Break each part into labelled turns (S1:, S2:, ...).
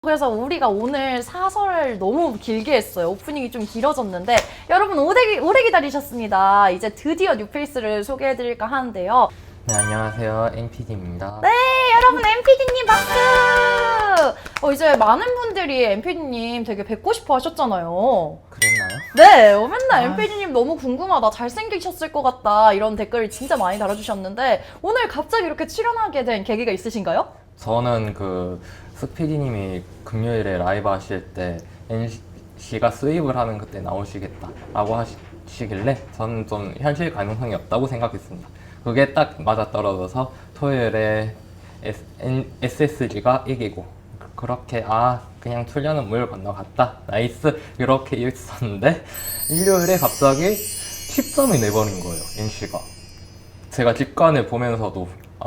S1: 그래서 우리가 오늘 사설을 너무 길게 했어요. 오프닝이 좀 길어졌는데 여러분 오래 기다리셨습니다. 이제 드디어 뉴페이스를 소개해드릴까 하는데요.
S2: 네, 안녕하세요. NPD입니다.
S1: 네, 여러분 MPD님 박수! 이제 많은 분들이 MPD님 되게 뵙고 싶어 하셨잖아요.
S2: 그랬나요?
S1: 네, 맨날 MPD님 너무 궁금하다, 잘생기셨을 것 같다 이런 댓글을 진짜 많이 달아주셨는데 오늘 갑자기 이렇게 출연하게 된 계기가 있으신가요?
S2: 저는 스피디님이 금요일에 라이브 하실 때 NC가 수입을 하는 그때 나오시겠다라고 하시길래 저는 좀 현실 가능성이 없다고 생각했습니다. 그게 딱 맞아떨어져서 토요일에 SSG가 이기고 그렇게 그냥 출연은 물 건너갔다 나이스 이렇게 있었는데 일요일에 갑자기 10점이 내버린 거예요. NC가. 제가 직관을 보면서도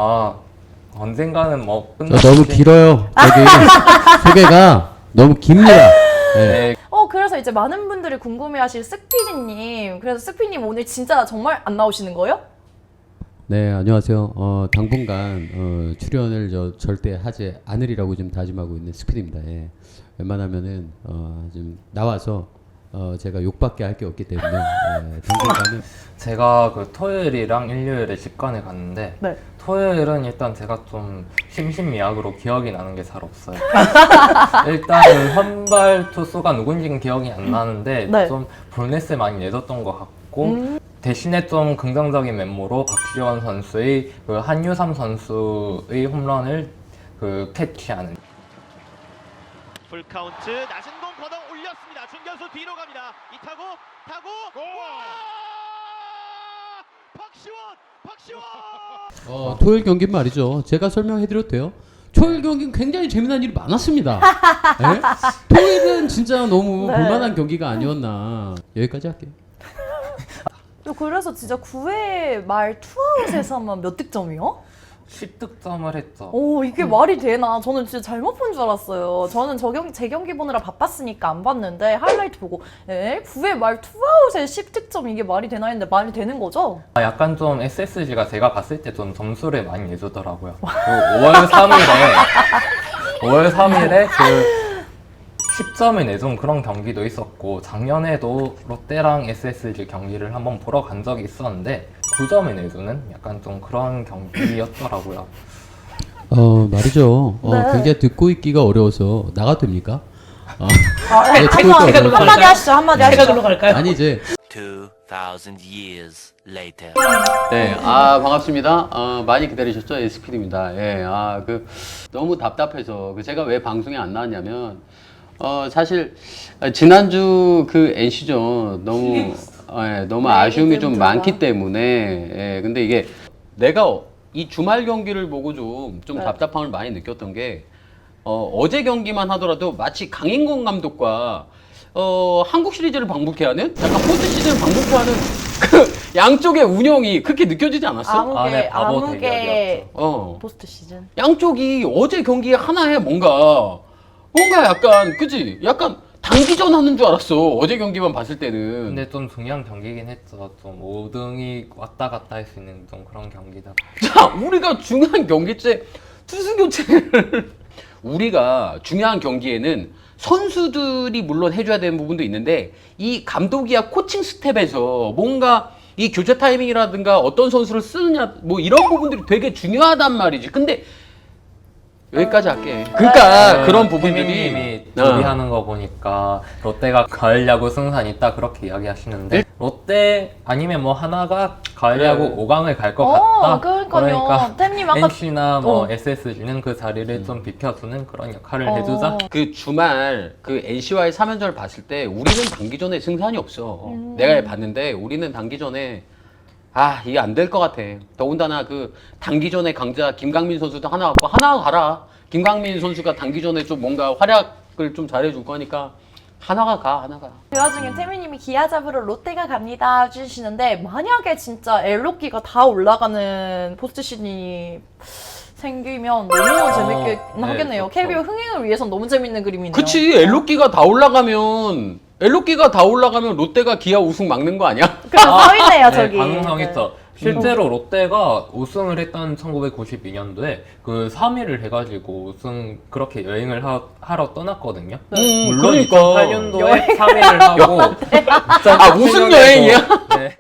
S2: 언젠가는 뭐
S3: 너무 길어요. 여기 소개가 너무 깁니다.
S2: 네.
S1: 그래서 이제 많은 분들이 궁금해하실 스피디님, 그래서 스피디님 오늘 진짜 정말 안 나오시는 거예요?
S3: 네, 안녕하세요. 당분간 출연을 절대 하지 않으리라고 좀 다짐하고 있는 스피드입니다. 예. 웬만하면은 좀 나와서 제가 욕밖에 할 게 없기 때문에 당분간은
S2: 제가 토요일이랑 일요일에 직관에 갔는데
S1: 네.
S2: 토요일은 일단 제가 좀 심신미약으로 기억이 나는 게 잘 없어요. 일단은 선발 투수가 누군지는 기억이 안 나는데
S1: 네.
S2: 좀 볼넷을 많이 내줬던 것 같고 대신에 좀 긍정적인 면모로 박지원 선수의 한유삼 선수의 홈런을 캐치하는.
S4: 풀카운트 낮은 공 걷어 올렸습니다. 중견수 뒤로 갑니다. 이타고 타고 박시원
S3: 토요일 경기 말이죠. 제가 설명해드려도 돼요. 토요일 경기는 굉장히 재미난 일이 많았습니다. 예? 토요일은 진짜 너무
S1: 네.
S3: 볼만한 경기가 아니었나. 여기까지 할게요.
S1: 그래서 진짜 9회 말 투아웃에서만 몇 득점이요?
S2: 10득점을 했죠.
S1: 이게 말이 되나? 저는 진짜 잘못 본 줄 알았어요. 저는 제 경기 보느라 바빴으니까 안 봤는데 하이라이트 보고 9회 말 투아웃에 10득점 이게 말이 되나 했는데 말이 되는 거죠?
S2: 약간 좀 SSG가 제가 봤을 때 좀 점수를 많이 내주더라고요. 5월 3일에 10점을 내준 그런 경기도 있었고 작년에도 롯데랑 SSG 경기를 한번 보러 간 적이 있었는데 9점을 내주는 약간 좀 그런 경기였더라고요.
S3: 말이죠.
S1: 네.
S3: 굉장히 듣고 있기가 어려워서 나가도 됩니까?
S1: 한마디 하시죠, 한마디 하시죠.
S3: 아니 이제
S5: 2,000 years later.
S3: 네, 반갑습니다. 많이 기다리셨죠? SPD입니다. 예, 너무 답답해서 제가 왜 방송에 안 나왔냐면 사실 지난주 NC전 너무 아쉬움이 좀 많기 때문에 근데 이게 내가 이 주말 경기를 보고 좀
S1: 네.
S3: 답답함을 많이 느꼈던 게 어제 경기만 하더라도 마치 강인권 감독과 한국 시리즈를 방북해 하는 약간 포스트 시즌을 방북해 하는 그 양쪽의 운영이 그렇게 느껴지지 않았어?
S2: 네, 바보
S1: 암흑의
S2: 대결이었죠.
S1: 포스트 시즌.
S3: 양쪽이 어제 경기 하나에 뭔가 약간 그치? 약간 단기전 하는 줄 알았어. 어제 경기만 봤을 때는.
S2: 근데 좀 중요한 경기긴 했죠. 좀 5등이 왔다 갔다 할 수 있는 좀 그런 경기다.
S3: 자, 우리가 중요한 경기 때 투수 교체를 우리가 중요한 경기에는 선수들이 물론 해줘야 되는 부분도 있는데 이 감독이야 코칭 스텝에서 뭔가 이 교체 타이밍이라든가 어떤 선수를 쓰느냐 뭐 이런 부분들이 되게 중요하단 말이지. 근데 여기까지 할게. 그러니까 그런 부분들이
S2: 태민님이 조리하는 거 보니까 롯데가 가을 야구 승산 있다 그렇게 이야기하시는데 롯데 아니면 뭐 하나가 가을 야구 5강을 갈 것 같다.
S1: 그러니까요. 템님 아까
S2: NC나 SSG는 그 자리를 좀 비켜주는 그런 역할을 해주자.
S3: 그 주말 NC와의 3연전을 봤을 때 우리는 단기전에 승산이 없어. 내가 봤는데 우리는 단기전에 이게 안 될 것 같아. 더군다나 단기전에 강자 김강민 선수도 하나 갖고 하나 가라. 김강민 선수가 단기전에 좀 뭔가 활약을 좀 잘해줄 거니까 하나가 가.
S1: 그 와중에 태민님이 기아 잡으러 롯데가 갑니다 해주시는데 만약에 진짜 엘로끼가 다 올라가는 포스트 시즌이 생기면 너무 재밌게 하겠네요.
S2: 그렇죠.
S1: KBO 흥행을 위해선 너무 재밌는 그림이네요.
S3: 그치. 엘로끼가 다 올라가면 롯데가 기아 우승 막는 거 아니야?
S1: 그럼 서 있네요 저기.
S2: 가능성 있죠. 실제로 롯데가 우승을 했던 1992년도에 그 3위를 해가지고 우승 그렇게 여행을 하러 떠났거든요. 물론
S3: 그러니까.
S2: 2008년도에 3위를 하고
S3: 아, 우승 여행이야?
S2: 네.